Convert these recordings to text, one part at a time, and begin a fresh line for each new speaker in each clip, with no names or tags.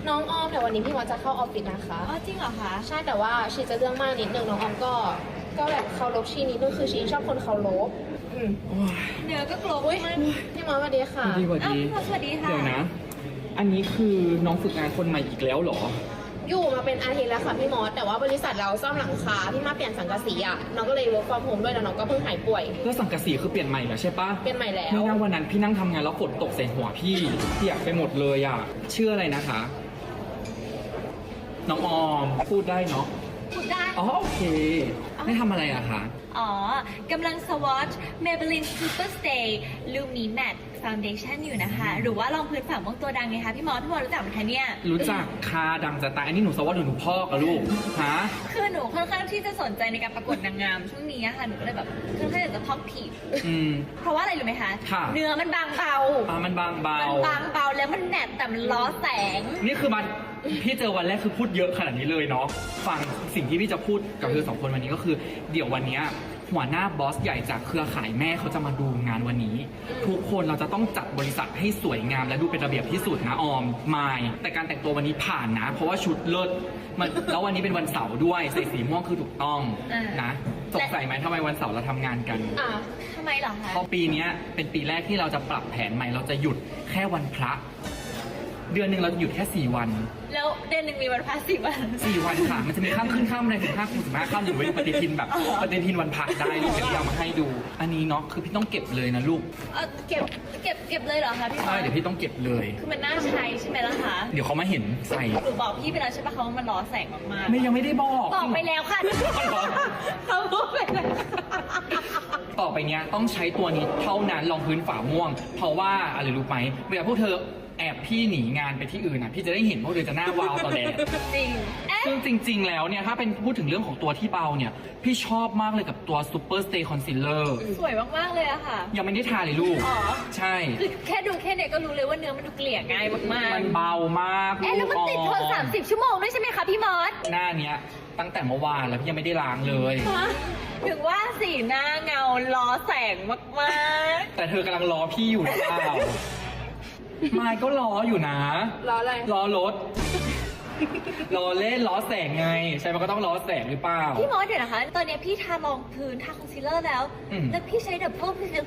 น้องออมเดี๋ยววันนี้พี่มอสจะเข้าออฟฟิศนะคะ
อ๋อจริงเหรอคะ
ใช่แต่ว่าชีจะเรื่องมากนิดนึงน้องออมก็แบบเคารพชีนิดนึงคือชีชอบคนเคารพ
เนื้อก็กลบ
อุ้ย
มาก
พี่มอสสวัสดีค่ะ
สวัสดีสวัส
อ้าว
ดี
พี่มอสสวัสดีค่ะ
เดี๋ยวนะ อันนี้คือน้องฝึกงานคนใหม่อีกแล้วเหรอ
อยู่มาเป็นอาทิตย์แล้วค่ะพี่มอสแต่ว่าบริษัทเราซ่อมหลังคาพี่มาเปลี่ยนสังกะสีอ่ะน้องก็เลย work from home ด้วยแล้วน้องก็เพิ่งหายป่วย
แล้วสังกะสีคือเปลี่ยนใหม่แล้วใช่ปะ
เปลี่ยนใหม่แล้ว
ไม่น่าวันนั้นพี่นั่งทำงานแล้วฝนตกใส่หัวพี่เปียกไปหมดเลยอ่ะชื่ออะไรนะคะ น้องออมพูดได้เนาะ
พูดได้
อ๋อโอเคไม่ทำอะไรอะคะ
อ๋อกำลัง swatch Maybelline Super Stay Lumi Matte Foundation อยู่นะคะ หรือว่ารองพื้นฝ่าม่วงตัวดังไงคะพี่มอสรู้จักไหมคะเนี่ย
รู้จักคาดังจะตายอันนี้หนูสวัสดิ์หนูพ่อกับลูกฮะ
คือหนูค่อนข้างที่จะสนใจในการประกวดนางงามช่วงนี้อะค่ะ หนูก็เลยแบบค่อนข้างอยากจะท็อปผิว
อืม
เพราะว่าอะไรรู้ไหมคะ
ค่ะ
เนื้อมันบางเบา
มันบางเบา
มันบางเบาแล้วมันแนบแต่มันล้อแสง
นี่คือมันพี่เจอวันแรกคือพูดเยอะขนาดนี้เลยเนาะฟังสิ่งที่พี่จะพูดกับเธอสองคนวันนี้ก็คือ เดี๋ยววันเนี้ยหัวหน้าบอสใหญ่จากเครือข่ายแม่เขาจะมาดูงานวันนี้ ทุกคนเราจะต้องจัดบริษัทให้สวยงามและดูเป็นระเบียบที่สุดนะออมมายแต่การแต่งตัววันนี้ผ่านนะ เพราะว่าชุดเลิศมันแล้ววันนี้เป็นวันเสาร์ด้วยใส่สีม่วงคือถูกต้องนะสงสัยไหมทำไมวันเสาร์เราทำงานกัน
อ่ะ
ทำไมเหรอคะ
เพราะปีเนี้ยเป็นปีแรกที่เราจะปรับแผนใหม่เราจะหยุดแค่วันพระ เดือนหนึ่งเราจะหยุดแค่4 วัน
แล้วเดือนหนึ่งมีวันพระ10 วัน
4 วันค่ะ มันจะมีข้ามขึ้นข้ามอะไรถึง5 คูณ15ข้ามหรือเว้นปฏิทินแบบปฏิทินวันพระได้ลูกเดี๋ยวพี่เอามาให้ดู อันนี้เนาะคือพี่ต้องเก็บเลยนะลูก
เก็บเลยเหรอคะพี่มอ
ใช่
ส
เดี๋ยวพี่ต้องเก็บเลย
คือมันน่าใช้ใช่ไหมล่ะคะ
เดี๋ยวเขามาเห็นใส่
หนูบอกพี่ไปแล้วใช่ปะเขาว่ามันล้อแสงมากๆ
ไม่ยังไม่ได้บอก
บอกไปแล้วค่ะ
เหรอ
เขาพูดไปแล้ว
ต่อไปเนี้ยต้องใช้ตัวนี้เท่านั้นรองพื้นฝาม่วง เพราะว่าอะไรรู้ไหมเวลาพวกเธอแอบพี่หนีงานไปที่อื่นนะพี่จะได้เห็นพวกเธอจะหน้าวาวตอนแรก
จริงเอ๊ะ
ซึ่งจริง ๆ แล้วเนี่ยถ้าเป็นพูดถึงเรื่องของตัวที่เบาเนี่ย พี่ชอบมากเลยกับตัว Super Stay Concealer
สวยมากๆเลยอะค่ะ
ยังไม่ได้ทาเลยลูก
อ๋อ
ใช่
คือแค่ดูแค่เนี้ยก็รู้เลยว่าเนื้อมันดูเกลี่ยง่ายมากๆ
มันเบามาก
เอ๊ะแล้วมันติดทน
ลูก
30 ชั่วโมงด้วยใช่ไหมคะพี่มอส
หน้าเนี้ยตั้งแต่เมื่อวานแล้วพี่ยังไม่ได้ล้างเลย
ฮะถึงว่าสีหน้าเงาล้อแสงมาก
แต่เธอกำลังรอพี่อยู่หรือเปล่า มายก็รออยู่นะ
รออะไร
รอรถ รอเล่นล้อแสงไง ใช่มันก็ต้องล้อแสงหรือเปล่า
ๆพี่มอสเดี๋ยวนะคะ ตอนเนี้ยพี่ทารองพื้นทาคอนซีลเลอร์แล้ว
อืม
แล้วพี่ใช้ดับเบิลฟิก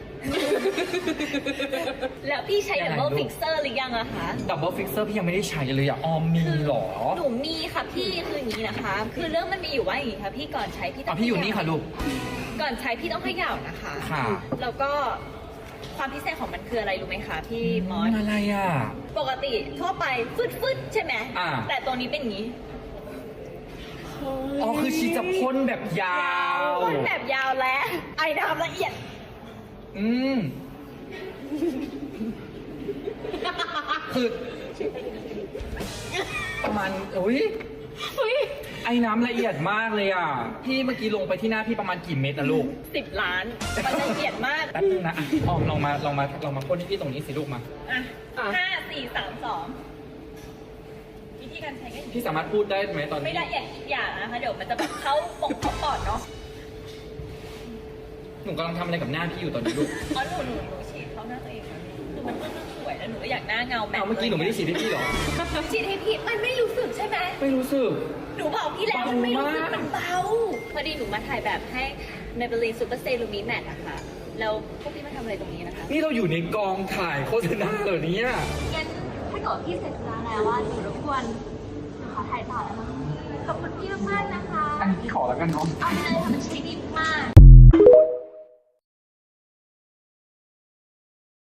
แล้วพี่ใช้ดับเบิล
ยังไงลูก
ฟิกเซอร์หรือยังอะคะ
ดับเบิลฟิกเซอร์พี่ยังไม่ได้ใช้เลยอะออมมีเหรอ
หนูมีค่ะพี่คืออย่างนี้นะคะ คือเรื่องมันมีอยู่ว่าอย่างนี้ค่ะพี่ก่อนใช้พี่ต้
อ๋
อ
อง พี่อยู่นี่ค่ะลูก
ก่อนใช้พี่ต้องเขย่านะคะ
ค่ะ
แล้วก็ความพิเศษของมันคืออะไรรู้ไหมคะพี่มอส
อะไรอ่ะ
ปกติทั่วไปฟึดๆใช่ไหม
อ่า
แต่ตัวนี้เป็นอย่างนี้
อ๋อคือชีจะพ่นแบบยาว
พ่นแบบยาวและไอน้ำละเอียด
อืม คือประมาณอุ้ยไอ้น้ำละเอียดมากเลยอ่ะ พี่เมื่อกี้ลงไปที่หน้าพี่ประมาณกี่เม็ดอะลูก
10 ล้าน มันละเอียดมาก
แป๊บนึงนะอ่ะออมลองมาพ่นที่พี่ตรงนี้สิลูกมา
อ่ะ5 4 3 2 วิธีการใช้ก็อย่างนี้
พี่สามารถพูดได้ไหมตอน
ไม่
นี้
ละเอียดอีกอย่างนะคะ เดี๋ยวมันจะแบบเข้าปอดเนาะ
หนูกำลังทำอะไรกับหน้าพี่อยู่ตอนนี้ลูก
เพราะหนูฉีดเข้าหน้าตัวเองค่ะคือมันค่อนข้างสวยแล้วหนูก็อยากหน้าเงาแบบ
เอาเมื่อกี้หนูไม่ได้ฉีดให้พี่เหรอ
ฉีดให้พี่มันไม่รู้สึกใช่ไหม
ไม่รู้สึก
หนูบอกพี่แล้วมันไม่รู้สึก
เบามาก
มันเบาพอดีหนูมาถ่ายแบบให้ Maybelline Super Stay Lumi Matte อะค่ะแล้วพวกพี่มาทำอะไรตรงนี้นะคะ
นี่เราอยู่ในกองถ่ายโฆษณาเหรอเนี่ย
งั้นถ้าเกิดพี่เสร็จธุระแล้วว่าหนูรบกวนหนูขอถ่ายต่อแล้วนะขอบคุณพี่มากๆนะคะ
อันนี้พี่ขอแล้วกันเนาะ
เอาไปเลยค่ะมันใช้ดีมาก